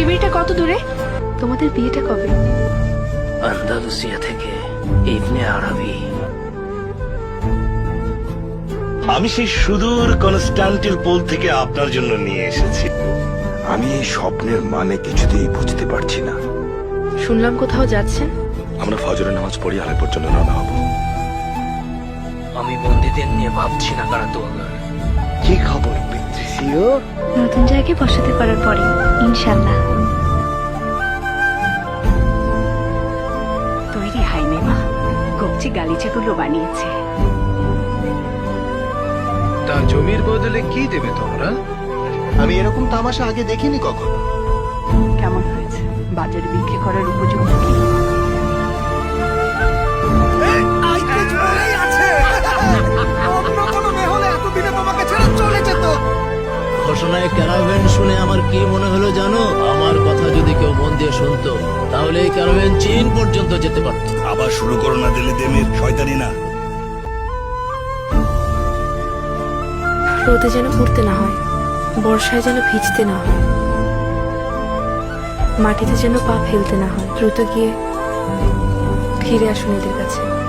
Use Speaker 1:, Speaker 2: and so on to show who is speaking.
Speaker 1: শিবিরটা কত দূরে? তোমাদের বিয়েটা কবে?
Speaker 2: আন্দালুসিয়া থেকে ইবনে আরবি।
Speaker 3: আমি সেই সুদূর কনস্টান্টিনোপল থেকে আপনার জন্য নিয়ে এসেছি।
Speaker 4: আমি এই স্বপ্নের মানে কিছুতেই বুঝতে পারছি না।
Speaker 1: শুনলাম কোথাও যাচ্ছেন।
Speaker 4: আমরা ফজরের নামাজ পড়ি আলেপোর জন্য রওনা হব।
Speaker 2: আমি বন্দীদের নিয়ে ভাবছি না কারা তোয়াগার।
Speaker 3: কি খবর পেত্রিসিও?
Speaker 1: নতুন জায়গায় বসাতে পারার পরে ইনশাল্লাহ।
Speaker 5: তৈরি হয়নি মা, কবজি গালিচাগুলো বানিয়েছে।
Speaker 6: তা জমির বদলে কি দেবে তোমরা?
Speaker 7: আমি এরকম তামাশা আগে দেখিনি কখনো।
Speaker 5: কেমন হয়েছে? বাজারে বিক্রি করার উপযুক্ত কি?
Speaker 8: ঘোষণায় ক্যারাভেন শুনে আমার কি মনে হলো জানো? আমার কথা যদি কেউ মন দিয়ে শুনতো তাহলে এই ক্যারাভেন চীন পর্যন্ত যেতে পারত।
Speaker 3: আবার শুরু করো না দিল্লি দেমের শয়তানি না।
Speaker 1: রোদে যেন পড়তে না হয়, বর্ষায় যেন ভিজতে না হয়, মাটিতে যেন পা ফেলতে না হয়। দ্রুত গিয়ে ফিরে আসুন এদের কাছে।